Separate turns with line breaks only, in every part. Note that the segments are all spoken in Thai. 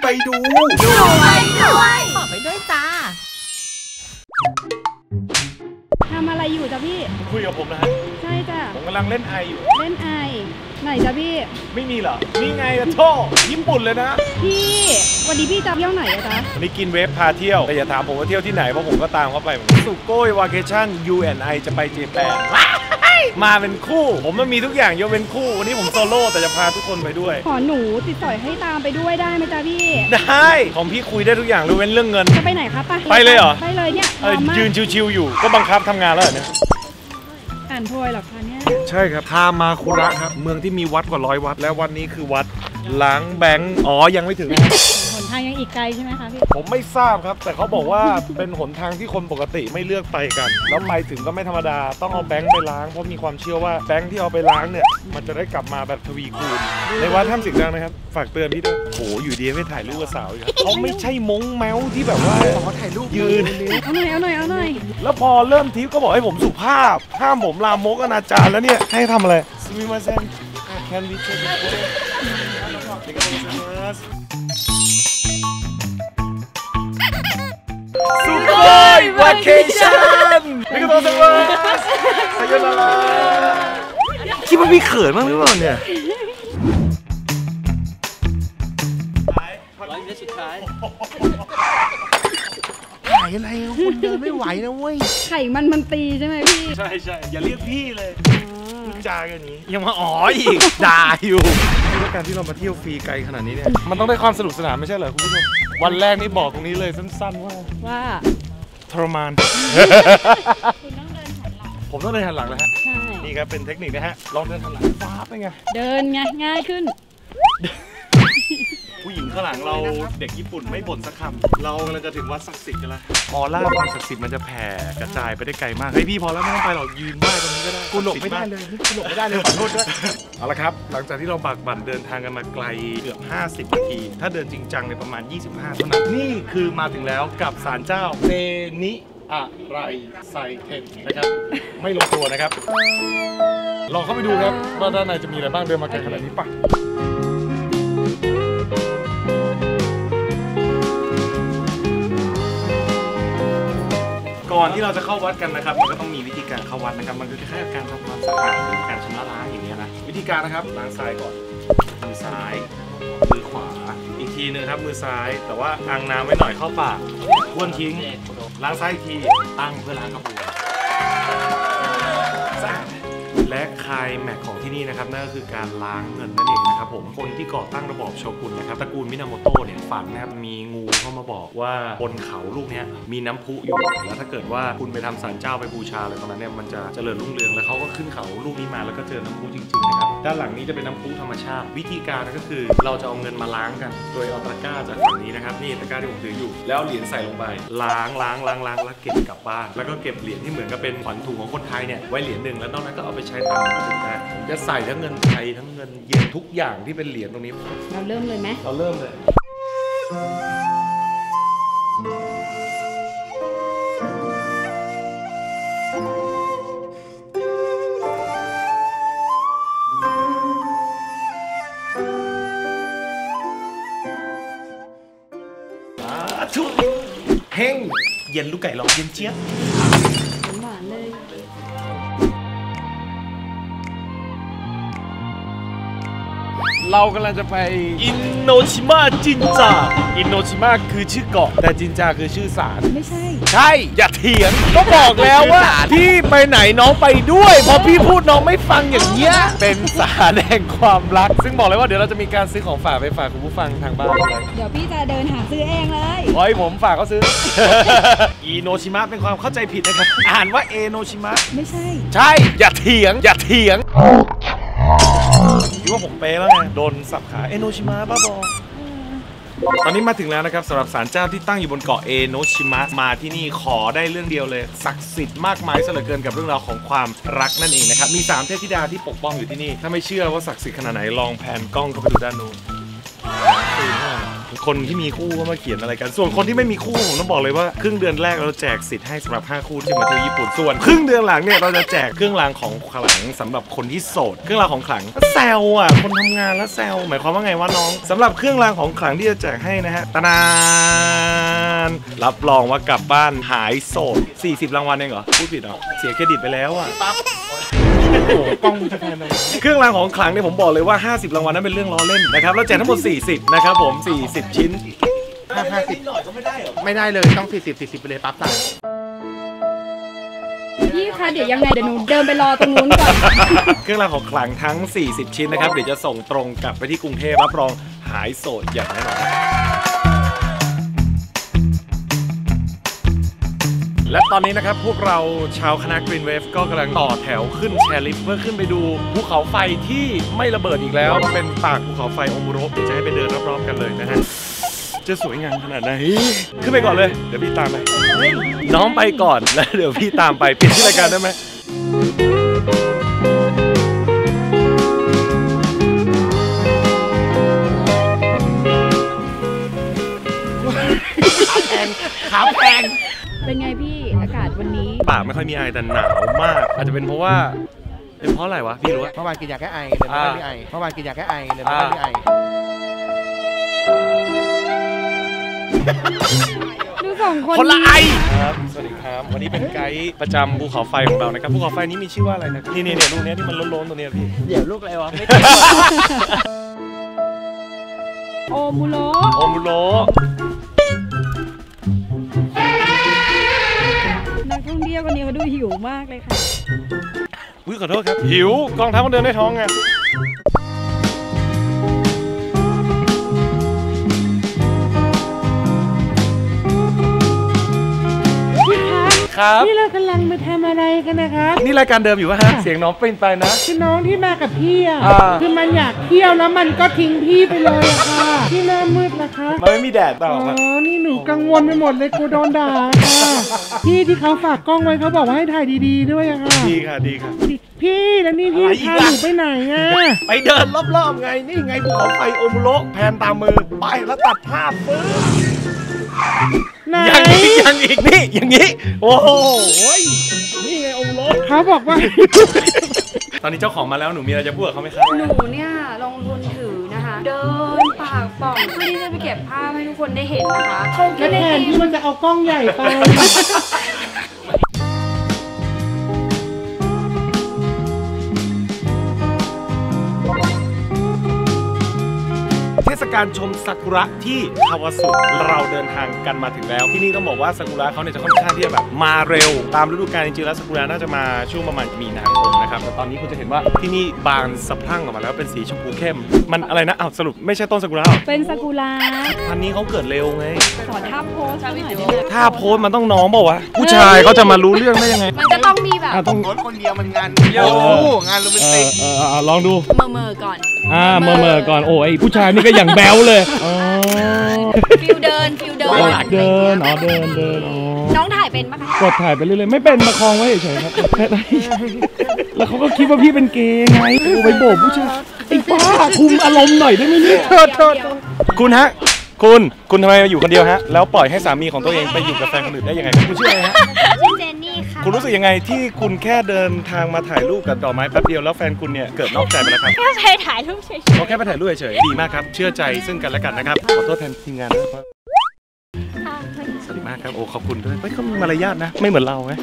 ดู
ไปด้วยขอไปด้วยจ้า
ทำอะไรอยู่จ้ะพี่
คุยกับผมนะฮะ
ใช่จ้ะ
ผมกำลังเล่นไออยู่
เล่นไอไหนจ้ะพี่
ไม่มีเหรอนี่ไงอะโทญี่ปุ่นเลยนะ
พี่วันนี้พี่จะเที่ยวไหนอะจ๊ะ
วันนี้กินเวฟพาเที่ยวแต่อย่าถามผมว่าเที่ยวที่ไหนเพราะผมก็ตามเขาไปสุโกยวาเคชั่น U&I จะไปเจแปนมาเป็นคู่ผมมันมีทุกอย่างยกเป็นคู่วันนี้ผมโซโล่แต่จะพาทุกคนไปด้วย
ขอหนูติดต่อให้ตามไปด้วยได้ไหมจ๊ะพี่
ได้ของพี่คุยได้ทุกอย่างยกเว้นเรื่องเงิน
จะไปไหนครับ
ไปเลยเหรอ
ไปเลยเนี่ย
ยืนชิวๆอยู่ก็บังคับทำงานแล้วเนี่ย
อ่านโพยหรอคะเนี่ย
ใช่ครับทามาคุระครับเมืองที่มีวัดกว่า100 วัดและวันนี้คือวัดล้างแบงค์อ๋อยังไม่ถึง
หนทางยังอีกไกลใช่ไหมคะพี่
ผมไม่ทราบครับแต่เขาบอกว่าเป็นหนทางที่คนปกติไม่เลือกไปกันแล้วไปถึงก็ไม่ธรรมดาต้องเอาแบงค์ไปล้างเพราะมีความเชื่อว่าแบงค์ที่เอาไปล้างเนี่ยมันจะได้กลับมาแบบทวีคูณในวัดถ้ำสิงห์ดังนะครับฝากเตือนพี่ด้วยโหอยู่ดีไม่ถ่ายรูปกับสาวอีกเขาไม่ใช่มงแมวที่แบบว่าขอถ่ายรูปยืน
เอาหน่อย
แล้วพอเริ่มทริปก็บอกให้ผมสุภาพห้ามผมลามกอนาจารแล้วเนี่ยให้ทำอะไรซูมิมาเซนแคนดิเชนสุโกยวาเคชั่นนี่ก็ต้องสวัสดีสยนาราคิดว่าพี่เขินมากหรือเปล่าเนี่ย
100 เมตรสุดท้าย
ถ่ายอะไรคุณเดินไม่ไหวนะเว้ย
ไข่มันตีใช่ไหมพี่
ใช่อย่าเรียกพี่เลยจากันนี้ยังมาอ๋ออีกด่าอยู่ด้วยการที่เรามาเที่ยวฟรีไกลขนาดนี้เนี่ยมันต้องได้ความสนุกสนานไม่ใช่เหรอคุณผู้ชมวันแรกนี่บอกตรงนี้เลยสั้นๆว่าทรมานผมต้องเดินหันหลังแล้วฮะนี่ครับเป็นเทคนิคนะฮะลองเดินหันหลังฟ้าไปไง
เดินไงง่ายขึ้น
ผู้หญิงข้างหลังเราเด็กญี่ปุ่นไม่บ่นสักคำเรากำลังจะถึงวัดศักดิ์สิทธิ์กันแล้วออร่าความศักดิ์สิทธิ์มันจะแผ่กระจายไปได้ไกลมากเฮ้ยพี่พอแล้วไม่ต้องไปหรอกยืนไหว้ตรงนี้ก็ได้กูหลบไม่ได้เลยขอโทษด้วยเอาละครับหลังจากที่เราบากบั่นเดินทางกันมาไกลเกือบ50 นาทีถ้าเดินจริงจังในประมาณ25เท่านั้นนี่คือมาถึงแล้วกับศาลเจ้าเซนิอะไรไซเทนนะครับไม่ลงตัวนะครับลองเข้าไปดูครับว่าด้านในจะมีอะไรบ้างเดินมาไกลขนาดนี้ป่ะก่อนที่เราจะเข้าวัดกันนะครับมันก็ต้องมีวิธีการเข้าวัดนะครับมันคือแค่การทำความสะอาดหรือการชำระล้างอย่างนี้นะวิธีการนะครับล้างซ้ายก่อนมือซ้ายมือขวาอีกทีนึงครับมือซ้ายแต่ว่าอังน้ำไว้หน่อยเข้าปากบ้วนทิ้งล้างซ้ายอีกทีตั้งเพื่อล้างกระปุกและไคลแม็กซ์ของที่นี่นะครับนั่นก็คือการล้างเงินนั่นเองนะครับผมคนที่ก่อตั้งระบอบโชกุนนะครับตระกูลมินาโมโตะเนี่ยฝันนะครับมีงูเข้ามาบอกว่าบนเขาลูกนี้มีน้ำพุอยู่แล้วถ้าเกิดว่าคุณไปทำศาลเจ้าไปบูชาอะไรตรงนั้นเนี่ยมันจะเจริญรุ่งเรืองแล้วเขาก็ขึ้นเขาลูกนี้มาแล้วก็เจอน้ำพุจริงๆนะครับด้านหลังนี้จะเป็นน้ำพุธรรมชาติวิธีการก็คือเราจะเอาเงินมาล้างกันโดยเอาตะกร้าจากฝั่งนี้นะครับนี่ตะกร้าที่ผมถืออยู่แล้วเหรียญใส่ลงไปล้างแล้วเก็บกลับบ้านแล้วก็เก็บเหรียญที่เหมือนกับเป็นขวัญถุงของคนไทยเนี่ยไว้เหรียญหนึ่งแล้วนอกนั้นก็เอาไปใช้ตามปกติได้ผมจะใส่ทั้งเงินไทยทั้งเงินเยนทุกอย่างที่เป็นเหรียญตรงนี้
เราเริ่มเลยไหม
เราเริ่มเลยทุกเฮงเย็นลูกไก่ลองเย็นเจี๊ยบ
หวานเลย
เรากำลังจะไปอินโนชิมะจินจาอินโนชิมะคือชื่อเกาะแต่จินจาคือชื่อศาล
ไม่ใช่
ใช่อย่าเถียงก็บอกแล้วว่าพี่ไปไหนน้องไปด้วยพอพี่พูดน้องไม่ฟังอย่างเงี้ยเป็นศาลแห่งความรักซึ่งบอกเลยว่าเดี๋ยวเราจะมีการซื้อของฝากไปฝากคุณผู้ฟังทางบ้านเลย
เดี๋ยวพี่จะเดินหาซื้อเองเลย
โอ้ยผมฝากเขาซื้ออิโนชิมะเป็นความเข้าใจผิดนะครับอ่านว่าเอโนชิมะ
ไม่ใช่
ใช่อย่าเถียงคิดว่าผมเป๊ะแล้วไงโดนสับขาเอโนชิมะบ้าบอตอนนี้มาถึงแล้วนะครับสำหรับศาลเจ้าที่ตั้งอยู่บนเกาะเอโนชิมะมาที่นี่ขอได้เรื่องเดียวเลยศักดิ์สิทธิ์มากมายซะเหลือเกินกับเรื่องราวของความรักนั่นเองนะครับมี3เทพธิดาที่ปกป้องอยู่ที่นี่ถ้าไม่เชื่อว่าศักดิ์สิทธิ์ขนาดไหนลองแพนกล้องเข้าไปดูด้านนู้นคนที่มีคู่ก็มาเขียนอะไรกันส่วนคนที่ไม่มีคู่ผมต้องบอกเลยว่าครึ่งเดือนแรกเราแจกสิทธิ์ให้สำหรับ5คู่ที่มาเที่ยวญี่ปุ่นส่วนครึ่งเดือนหลังเนี่ยเราจะแจกเครื่องรางของขลังสำหรับคนที่โสดเครื่องรางของขลังแซวอ่ะคนทำงานแล้วแซวหมายความว่าไงวะน้องสำหรับเครื่องรางของขลังที่จะแจกให้นะฮะตะนานรับรองว่ากลับบ้านหายโสด40รางวัลเองเหรอพูดผิดเหรอเสียเครดิตไปแล้วอ่ะโอ้โหกล้องจะแพนเลยเครื่องรางของขลังเนี่ยผมบอกเลยว่า50รางวัลนั้นเป็นเรื่องล้อเล่นนะครับแล้วแจกทั้งหมด40นะครับผม40ชิ้น
50หน่อยก็ไม่ได้เหรอไม่ได้เลยต้อง40ไปเลยปั๊บสั่ง
พี่คะเดี๋ยวยังไงเดี๋ยวหนูเดินไปรอตรงนู้นก่อน
เครื่องรางของขลังทั้ง40ชิ้นนะครับเดี๋ยวจะส่งตรงกลับไปที่กรุงเทพรับรองหายโสดอย่างแน่นอนและตอนนี้นะครับพวกเราชาวคณะ Green Wave ก็กำลังต่อแถวขึ้นแชร์ลิฟต์เพื่อขึ้นไปดูภูเขาไฟที่ไม่ระเบิดอีกแล้วเป็นปากภูเขาไฟโอมุโระเดี๋ยวจะให้ไปเดินรอบๆกันเลยนะฮะจะสวยงามขนาดไหนขึ้นไปก่อนเลยเดี๋ยวพี่ตามไปน้องไปก่อนแล้วเดี๋ยวพี่ตามไปเปลี่ยนชื่อรายการได้ไหมขาแพง
เป็นไงพี่อากาศวันนี้
ปากไม่ค่อยมีไอแต่หนาวมากอาจจะเป็นเพราะว่าเป็นเพราะอะไรวะพี่รู้ว่า
เมื่อวานกินยาแก้ไอเลยไม่ได้ไอเมื่อวานกินยาแก้ไอเลยไม่ได้ไอ
ดูสองคน
คนละไอครับสวัสดีครับวันนี้เป็นไกด์ประจำภูเขาไฟของเรานะครับภูเขาไฟนี้มีชื่อว่าอะไรนะนี่เนี่ยลูกนี้ที่มันล้นๆตัวนี้พี่
เดี๋ยวลูกอะไรวะ
โอมุโระนักท่องเที่ยวคนนี้เขาดูหิวมากเลยค่ะ
อุ๊ยขอโทษครับหิวกองทัพมันเดินได้ท้องไง
นี่เรากำลังมาทำอะไรกันนะครับ
นี่รายการเดิมอยู่ป่ะฮะเสียงน้องเป็นไปนะ
คือน้องที่มากับพี่อ่ะคือมันอยากเที่ยวแล้วมันก็ทิ้งพี่ไปเลยอะค่ะที่หน้ามืดนะคะ
มันไม่มีแดดต่อ
อ๋อนี่หนูกังวลไปหมดเลยกูโดนด่าค่ะพี่ที่เขาฝากกล้องไว้เขาบอกว่าให้ถ่ายดีๆด้วยอะค่ะ
ดีค่ะ
พี่แล้วนี่พี่พาหนูไปไหนอ่ะ
ไปเดินรอบๆไงนี่ไงภูเขาไฟโอมุโระแพนตามมือไปแล้วตัดภาพปึ๊บอย่างอีกนี่อย่างนี้โอ้โหนี่ไงโอมุโระ
เขาบอกว่า
ตอนนี้เจ้าของมาแล้วหนูมีอะไรจะพูดกับเขาไหมครับ
หนูเนี่ยลงทุนถือนะคะเดินปากป่องเพื่อที่จะไปเก็บภาพให้ทุกคนได้เห็นนะคะ
แล้วแทนที่มันจะเอากล้องใหญ่ไป
เทศกาลชมซากุระที่คาวาสุเราเดินทางกันมาถึงแล้วที่นี่ต้องบอกว่าซากุระเขาเนี่ยจะค่อนข้างที่จะแบบมาเร็วตามฤดูกาลจริงๆแล้วซากุระน่าจะมาช่วงประมาณมีนาคมนะครับแต่ตอนนี้คุณจะเห็นว่าที่นี่บานสะพรั่งออกมาแล้วเป็นสีชมพูเข้มมันอะไรนะอ้าวสรุปไม่ใช่ต้นซากุระหรอ
เป็นซากุระ
พันนี้เขาเกิดเร็วไง
ขอท่าโพสหน่อยได้ไหม
ท่าโพสมันต้องน้องเปล่าวะผู้ชายเขาจะมารู้เรื่องได้ยังไง
มันจะต้องมีแบบ
ต้องโพสคนเดียวมันงานเยอะงานโรแมนติก
ลองดู
เมอก่อน
เมอก่อนโอ้ยผู้ชายนี่ก็อย่างแบ๊วเลย
ฟิลเดินน้องถ่ายเป็นปะคะ
กดถ่ายไปเรื่อยๆไม่เป็นประคองไว้เฉยๆครับแล้วเขาก็คิดว่าพี่เป็นเกย์ไงไปโบกผู้ชายไอ้บ้าคุมอารมณ์หน่อยได้ไหมเนี่ยโทษคุณฮะคุณทำไมมาอยู่คนเดียวฮะแล้วปล่อยให้สามีของตัวเองไปอยู่กับแฟนคนอื่นได้ยังไงคุณชื่ออะไรฮะ
ชื่อเจนนี่ค่ะ
คุณรู้สึกยังไงที่คุณแค่เดินทางมาถ่ายรูปกับดอกไม้แป๊บเดียวแล้วแฟนคุณเนี่ยเกิดนอกใจไปแล้วครับ
แค่ไปถ่ายรูปเฉยๆ
เขาแค่ไปถ่ายรูปเฉยๆดีมากครับเชื่อใจซึ่งกันและกันนะครับขอโทษแทนทีมงานด้วยสวัสดีมากครับโอ้ขอบคุณด้วยเขามีมารยาทนะไม่เหมือนเราไง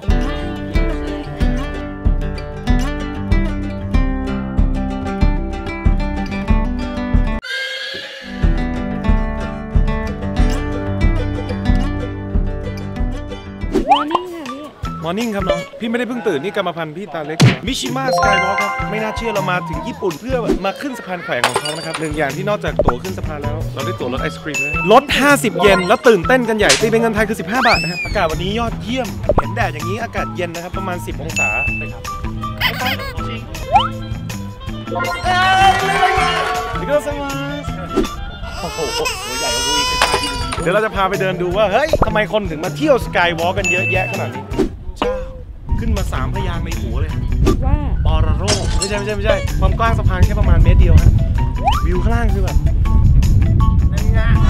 มอร์นิ่งครับน้องพี่ไม่ได้เพิ่งตื่นนี่กรรมพันธุ์พี่ตาเล็กมิชิมะสกายวอล์กครับไม่น่าเชื่อเรามาถึงญี่ปุ่นเพื่อมาขึ้นสะพานแขวนของเขานะครับหนึ่งอย่างที่นอกจากตั๋วขึ้นสะพานแล้วเราได้ตั๋วรถไอศครีมด้วยลด50 เยนแล้วตื่นเต้นกันใหญ่ตีเป็นเงินไทยคือ15 บาทนะครับอากาศวันนี้ยอดเยี่ยมเห็นแดดอย่างนี้อากาศเย็นนะครับประมาณ10 องศาเลยครับนี่ก็สมาร์ทโอ้โหตัวใหญ่กว่ากูอีกเดี๋ยวเราจะพาไปเดินดูว่าเฮ้ยทำไมคนถึงมาเที่ยวสกายวอล์กกันเยอะแยะขนาดนี้เจ้าขึ้นมา3 พยางค์ในหัวเลย
ว่า
ปอระโรไม่ใช่ความกว้างสะพานแค่ประมาณเมตรเดียวฮะวิวข้างล่างคือแบบนั่นไง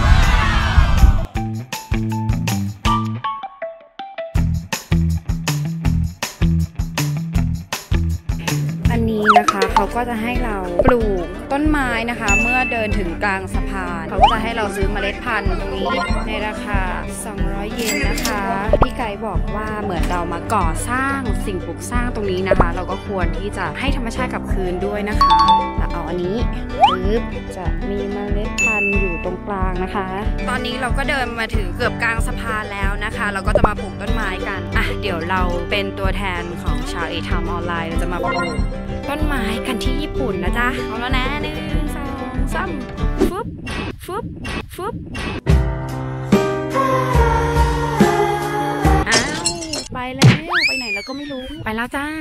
ก็จะให้เราปลูกต้นไม้นะคะ เมื่อเดินถึงกลางสะพานเขาก็จะให้เราซื้อเมล็ดพันธุ์ตรงนี้ในราคา200 เยนนะคะพี่ไก่บอกว่าเหมือนเรามาก่อสร้างสิ่งปลูกสร้างตรงนี้นะคะ เราก็ควรที่จะให้ธรรมชาติกลับคืนด้วยนะคะแล้วเอาอันนี้ปึ๊บจะมีเมล็ดพันธุ์อยู่ตรงกลางนะคะ ตอนนี้เราก็เดินมาถึงเกือบกลางสะพานแล้วนะคะ เราก็จะมาปลูกต้นไม้กันอ่ะเดี๋ยวเราเป็นตัวแทนของชาวเอทามออนไลน์เราจะมาปลูกต้นไม้กันที่ญี่ปุ่นนะจ๊ะเอาแล้วนะ1 2 3ฟึบฟึบฟึบอ้าวไปแล้วไปไหนแล้วก็ไม่รู้ไปแล้วจ้า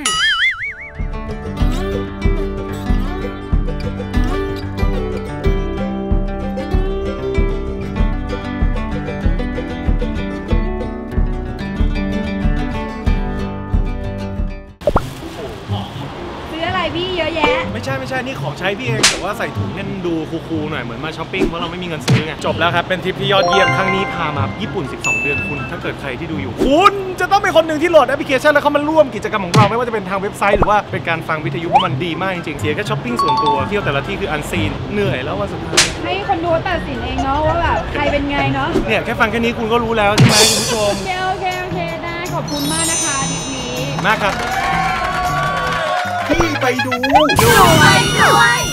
พี่เยอะแยะ
ไม่ใช่นี่ของใช้พี่เองแต่ว่าใส่ถุงเนี่ยดูคูลๆหน่อยเหมือนมาช้อปปิ้งเพราะเราไม่มีเงินซื้อไงจบแล้วครับเป็นทริปที่ยอดเยี่ยมครั้งนี้พามาญี่ปุ่น12 เดือนคุณถ้าเกิดใครที่ดูอยู่คุณจะต้องเป็นคนหนึ่งที่โหลดแอปพลิเคชันแล้วเข้ามาร่วมกิจกรรมของเราไม่ว่าจะเป็นทางเว็บไซต์หรือว่าเป็นการฟังวิทยุเพราะมันดีมากจริงๆเสียแค่ช้อปปิ้งส่วนตัวเที่ยวแต่ละที่คืออันซีนเหนื่อยแล้ววันสุดท้าย
ให้คนดูตัดสินเองเนาะว่าแบบใครเป็นไงเนาะ
เนี่ยแค่ฟังแค่นี้คุณก็รู้แล้วใช่ไหมคุณผู้ชม
โอเคได้ขอบคุณมากนะคะทริปนี้
มากครับ
พี่ไปดูไปด้วย